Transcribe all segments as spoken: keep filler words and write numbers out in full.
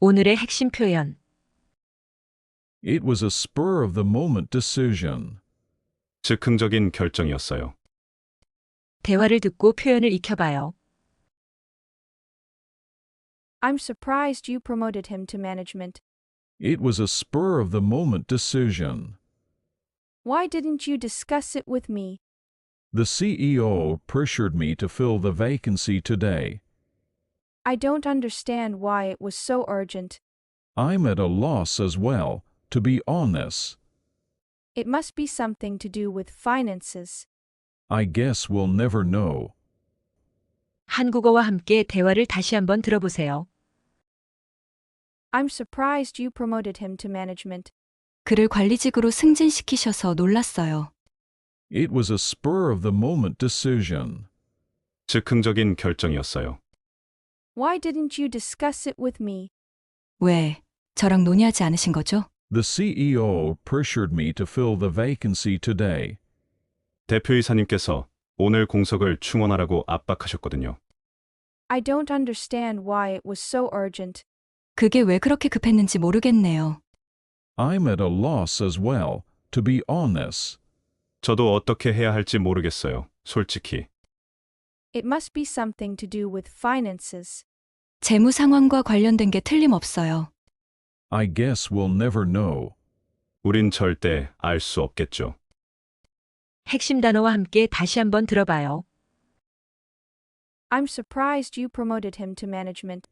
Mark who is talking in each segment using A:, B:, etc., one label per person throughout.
A: 오늘의 핵심 표현.
B: It was a spur-of-the-moment decision.
C: 즉흥적인 결정이었어요.
A: 대화를 듣고 표현을 익혀봐요.
D: I'm surprised you promoted him to management.
B: It was a spur-of-the-moment decision.
D: Why didn't you discuss it with me?
B: The C E O pressured me to fill the vacancy today.
D: I don't understand why it was so urgent.
B: I'm at a loss as well, to be honest.
D: It must be something to do with finances.
B: I guess we'll never know.
A: 한국어와 함께 대화를 다시 한번 들어보세요.
D: I'm surprised you promoted him to management.
E: 그를 관리직으로 승진시키셔서 놀랐어요.
B: It was a spur-of-the-moment decision.
C: 즉흥적인 결정이었어요.
D: Why didn't you discuss it with me?
E: 왜, 저랑 논의하지 않으신 거죠?
B: The C E O pressured me to fill the vacancy today.
C: 대표이사님께서 오늘 공석을 충원하라고 압박하셨거든요.
D: I don't understand why it was so urgent.
E: 그게 왜 그렇게 급했는지 모르겠네요.
B: I'm at a loss as well, to be honest.
C: 저도 어떻게 해야 할지 모르겠어요. 솔직히.
D: It must be something to do with finances.
E: 재무 상황과 관련된 게 틀림없어요.
B: I guess we'll never know.
C: 우린 절대 알 수 없겠죠.
A: 핵심 단어와 함께 다시 한번 들어봐요.
D: I'm surprised you promoted him to management.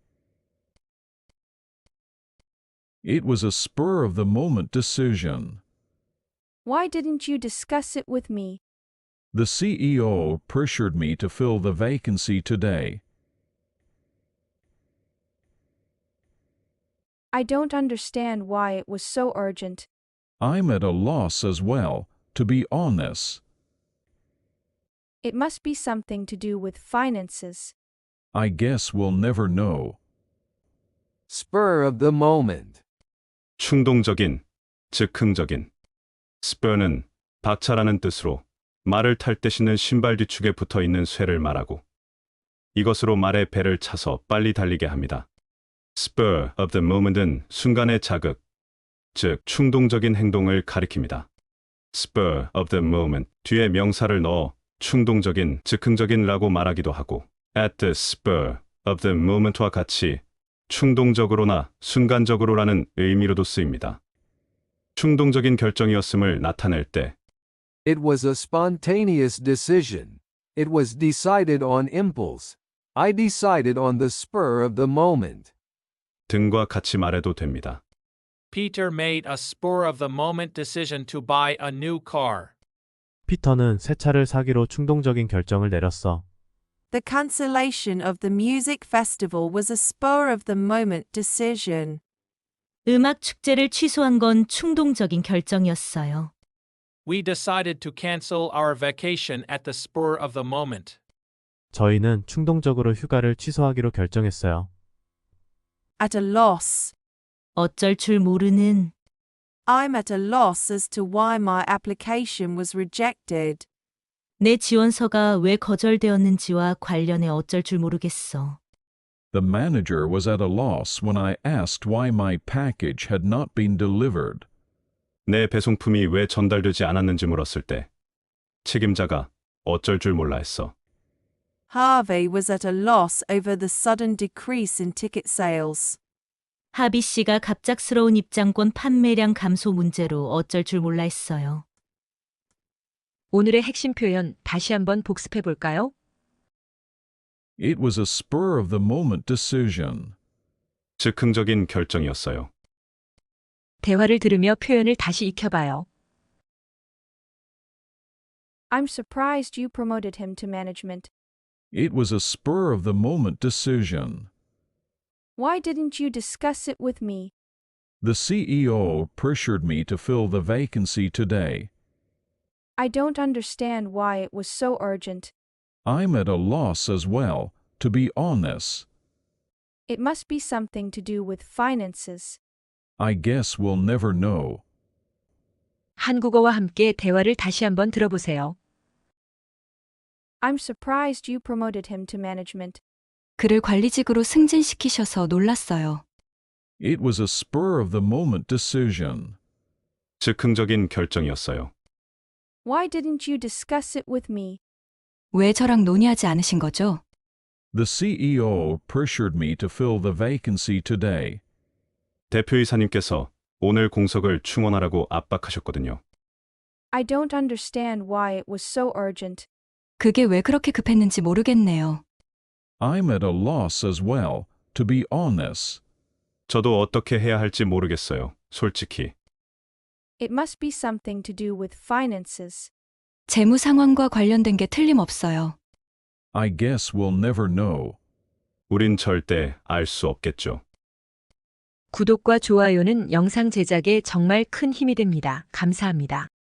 B: It was a spur-of-the-moment decision.
D: Why didn't you discuss it with me?
B: The C E O pressured me to fill the vacancy today.
D: I don't understand why it was so urgent.
B: I'm at a loss as well, to be honest.
D: It must be something to do with finances.
B: I guess we'll never know.
F: Spur of the moment.
C: 충동적인, 즉흥적인. spur는 박차라는 뜻으로 말을 탈 때 신는 신발 뒤축에 붙어있는 쇠를 말하고 이것으로 말의 배를 차서 빨리 달리게 합니다. spur of the moment은 순간의 자극, 즉 충동적인 행동을 가리킵니다. spur of the moment 뒤에 명사를 넣어 충동적인, 즉흥적인라고 말하기도 하고 at the spur of the moment와 같이 충동적으로나 순간적으로라는 의미로도 쓰입니다. 충동적인 결정이었음을 나타낼 때
F: It was a spontaneous decision. It was decided on impulse. I decided on the spur of the moment.
C: 등과 같이 말해도 됩니다.
G: Peter made a spur-of-the-moment decision to buy a new car.
H: 피터는 새 차를 사기로 충동적인 결정을 내렸어.
I: The cancellation of the music festival was a spur-of-the-moment decision.
J: 음악 축제를 취소한 건 충동적인 결정이었어요.
G: We decided to cancel our vacation at the spur of the moment.
H: 저희는 충동적으로 휴가를 취소하기로 결정했어요.
I: At a loss.
J: 어쩔 줄 모르는.
I: I'm at a loss as to why my application was rejected.
J: 내 지원서가 왜 거절되었는지와 관련해 어쩔 줄 모르겠어.
B: The manager was at a loss when I asked why my package had not been delivered.
C: 내 배송품이 왜 전달되지 않았는지 물었을 때 책임자가 어쩔 줄 몰라 했어.
I: Harvey was at a loss over the sudden decrease in ticket sales.
J: 하비 씨가 갑작스러운 입장권 판매량 감소 문제로 어쩔 줄 몰라 했어요.
A: 오늘의 핵심 표현 다시 한번 복습해 볼까요?
B: It was a spur-of-the-moment decision.
C: 즉흥적인 결정이었어요.
A: 대화를 들으며 표현을 다시 익혀봐요.
D: I'm surprised you promoted him to management.
B: It was a spur-of-the-moment decision.
D: Why didn't you discuss it with me?
B: The C E O pressured me to fill the vacancy today.
D: I don't understand why it was so urgent.
B: I'm at a loss as well, to be honest.
D: It must be something to do with finances.
B: I guess we'll never know.
A: 한국어와 함께 대화를 다시 한번 들어보세요.
D: I'm surprised you promoted him to management.
E: 그를 관리직으로 승진시키셔서 놀랐어요.
B: It was a spur of the moment decision.
C: 즉흥적인 결정이었어요.
D: Why didn't you discuss it with me?
E: 왜 저랑 논의하지 않으신 거죠?
B: The C E O pressured me to fill the vacancy today.
C: 대표이사님께서 오늘 공석을 충원하라고 압박하셨거든요.
D: I don't understand why it was so urgent.
E: 그게 왜 그렇게 급했는지 모르겠네요.
B: I'm at a loss as well, to be honest.
C: 저도 어떻게 해야 할지 모르겠어요. 솔직히.
D: It must be something to do with finances.
E: 재무 상황과 관련된 게 틀림없어요.
B: I guess we'll never know.
C: 우린 절대 알 수 없겠죠.
A: 구독과 좋아요는 영상 제작에 정말 큰 힘이 됩니다. 감사합니다.